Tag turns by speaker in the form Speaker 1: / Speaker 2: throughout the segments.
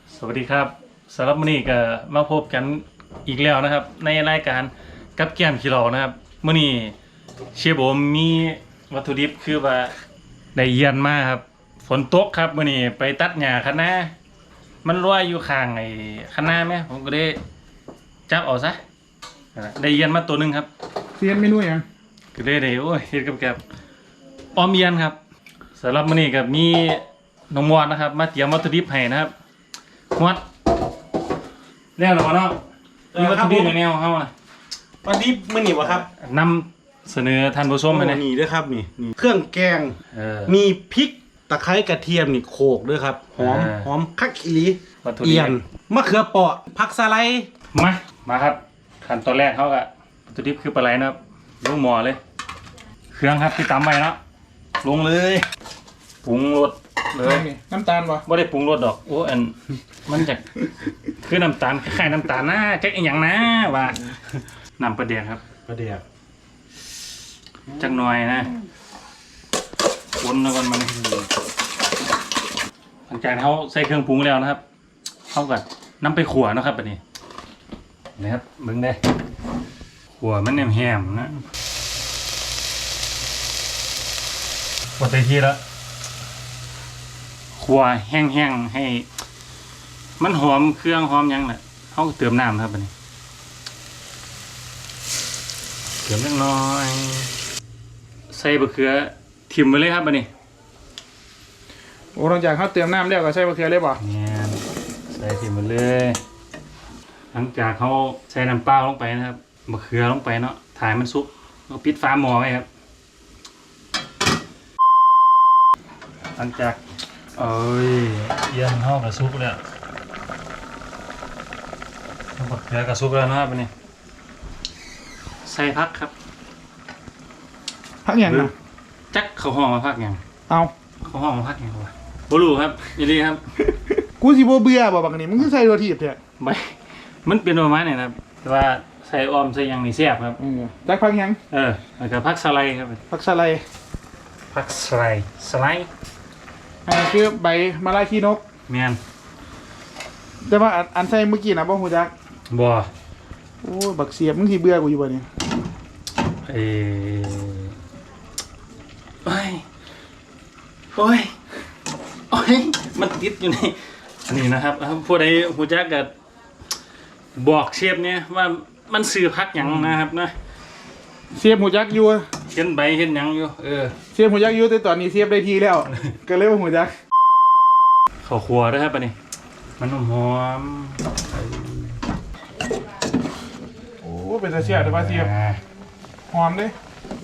Speaker 1: สวัสดีครับสำหรับมื้อนี้ก็มาพบกันอีกแล้วนะครับในรายการกับแก้มขี้เหล่านะครับมื้อนี้เชฟโอมมีวัตถุดิบคือว่าได้เยียนมาครับฝนตกครับมื้อนี้ไปตัดหญ้าคะน้ามันลอยอยู่ข้างไอ้คะน้าไหมผมก็ได้จับเอาซะได้เยียนมาตัวหนึงครับ
Speaker 2: เซียนเมนูอย่าง
Speaker 1: ก็ได้โอ้ยเฮ็ดกับออมเยียนครับสำหรับมื้อนี้ก็มีน้องมอดนะครับมาเตรียมวัตถุดิบให้นะครับมอดแล้วเหรอเนาะมีวัตถุดิบในแนวเขาน่ะ
Speaker 3: วันนี้มื้อนี้วะครับ
Speaker 1: นำเสนอท่านผู้ชมไปเลย
Speaker 3: นี่ด้วยครับนี่เครื่องแกงมีพริกตะไคร้กระเทียมนี่โขลกด้วยครับหอมคักอีหลีเอียนมะเขือเปราะผักสะไลด์
Speaker 1: มาครับขั้นตอนแรกเขาก็วัตถุดิบคือปลาไหลนะครับลงหม้อเลยเครื่องครับที่ตำไว้เนาะลงเลยปรุงรสเลย
Speaker 2: น้ำตาลวะ
Speaker 1: ไม่ได้ปรุงรสดอกโอ้อันมันจะคือน้ำตาลคล้ายๆน้ำตาลนะจักอย่างนะว่าน้ำปลาเดียกครับ
Speaker 3: ปลาเดียก
Speaker 1: จักหน่อยนะวนแล้วกันมันหลังจากเขาใส่เครื่องปรุงแล้วนะครับเขาก็นำไปขั่วนะครับแบบนี้นะครับมึงได้ขั่วมันแหมๆนะพอเต็มที่แล้วขั่วแห้งๆให้มันหอมเครื่องหอมยังแหละเขาเติมน้ำครับแบบนี้เติมเล็กน้อยใส่บะเขือทิ่มไปเลยครับแบบนี้
Speaker 2: โอ้หลังจากเขาเติมน้ำแล้วก็ใส่มะเขือเลยป่ะ
Speaker 1: เนี่ยใส่ทิ่มไปเลยหลังจากเขาใส่น้ำเปล่าลงไปนะครับบะเขือลงไปเนาะถ่ายมันซุกแล้วปิดฝาหม้อไว้ครับหลังจากเย็นห่อกระซุกแล้วบะเขือกระซุกแล้วนะครับแบบนี้ใส่พักครับ
Speaker 2: พักอย่างนะ
Speaker 1: จักเขาห้องมาพักอย่าง
Speaker 2: เอา
Speaker 1: เขาห้องมาพักอย่างวะบลูครับยินดีครับ
Speaker 2: กูสิบ่เบื่อบ่บักนี่มึงคือใส่ตัวทีบเถอะ
Speaker 1: ไม่มันเป็นประมาณนี้นะครับแต่ว่าใส่ออมใส่ยังนี่แซ่บครับ
Speaker 2: จักพักยัง
Speaker 1: แล้วก็พักสไลด์ครับ
Speaker 2: พักสไลด์
Speaker 1: พักสไลด์
Speaker 2: อันนี้คือใบมะลายขี้นก
Speaker 1: เมียน
Speaker 2: แต่ว่าอันใส่เมื่อกี้นะบ่ฮู้จัก
Speaker 1: บ่
Speaker 2: โอ้บักเสียบมึงสิเบื่อกูอยู่บ่เนี่ย
Speaker 1: โอ้ยมันติดอยู่ในอันนี้นะครับผู้ใดฮู้จักก็บอกเชฟเนี่ยว่ามันซื้อพักหยังนะครับนะ
Speaker 2: เสียบฮู้จักอยู่
Speaker 1: เห็นใบเห็นหยังอยู่
Speaker 2: เสียบฮู้จักอยู่แต่ตอนนี้เสียบได้ทีแล้วก็เลยบ่ฮู้จัก
Speaker 1: ข้าวคั่วด้วยครับอันนี้มันหอม
Speaker 2: โอ้เป็นตาเสียบแต่ว่าเสียบหอมเด้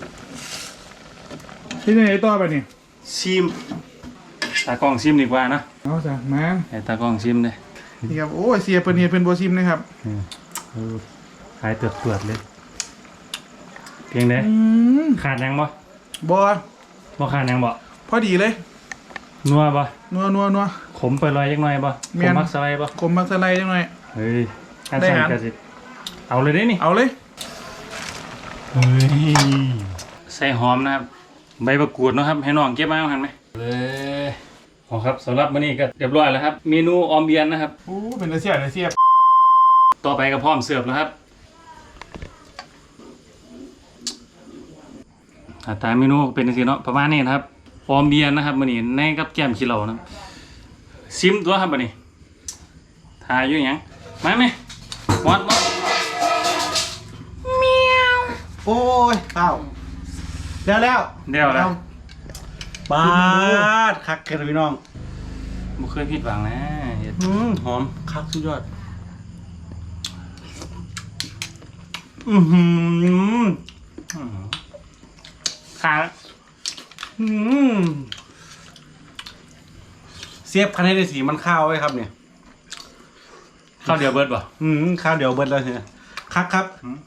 Speaker 2: ที่ไหนต่อไปนี่
Speaker 1: ชิมตากล้องชิมดีกว่านะ
Speaker 2: เอาจ้ะมา
Speaker 1: ให้ตากล้องชิมเลย
Speaker 2: นี่ครับโอ้ยเสียเพิ่นเฮ็ดเพิ่นบ่ชิมนะครับ
Speaker 1: ขายเตือดเลยเพียงใดขาดยังบ่ขาดยังบ่
Speaker 2: พอดีเลย
Speaker 1: นัวบ่
Speaker 2: นัว
Speaker 1: ขมไปลอยจักหน่อยบ่ขมมักสไลด์บ่
Speaker 2: ขมมักสไลด์จังหน่อย
Speaker 1: เฮ้ยได้หาเอาเลยได้นี่
Speaker 2: เอาเลย
Speaker 1: เฮ้ยใส่หอมนะครับใบมะกรูดนะครับให้น้องเก็บมาเอาหันไหมเลยอ๋อครับสำหรับมื้อนี้ก็เรียบร้อยแล้วครับเมนูออมเบียนนะครับ
Speaker 2: โอ้เป็นตาเสียบ
Speaker 1: ต่อไปก็พร้อมเสิร์ฟแล้วครับตามเมนูเป็นจังซี่เนาะประมาณนี้นะครับออมเบียนนะครับมื้อนี้ในกับแก้มขี้เหล่านะซิมตัวครับบัดนี้ทายอยู่หยังมาไหมมอด
Speaker 2: เมียวโอ้ยข้าวแล้ว
Speaker 3: บาดคักกันพี่น้อง
Speaker 1: บ่เคยผิดหวังนะ
Speaker 3: หอมคักสุดยอด
Speaker 1: ขา
Speaker 3: เสียบคันให้ได้สีมันข้าวไว้ครับเนี่ย
Speaker 1: ข้าวเดียวเบิดป่ะ
Speaker 3: ข้าวเดียวเบิดแล้วเนี่ยคักครับ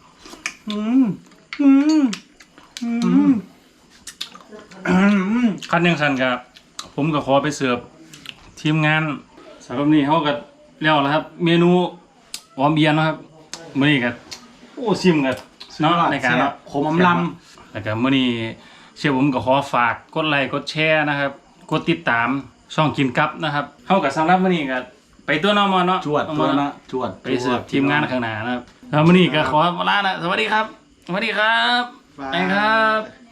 Speaker 1: คันยังสันกับผมก็ขอไปเสิร์ฟทีมงานสำหรับนี้เขาก็แล้วแล้วครับเมนูออมเบียนนะครับมื้อนี้ก็ชิมกันเนาะในการ
Speaker 3: ขมลำ
Speaker 1: แล้วก็มื้อนี้เชฟผมก็ขอฝากกดไลค์กดแชร์นะครับกดติดตามช่องกินกับนะครับเฮากับสำหรับมื้อนี้ก็ไปไปตัวนอมอนเนาะ
Speaker 3: จวดตัวนะจวด
Speaker 1: ไปเสิร์ฟทีมงานข้างหน้านะครับแล้วมื้อนี้ก็ขอลานะสวัสดีครับสวัสดีครับไปครับ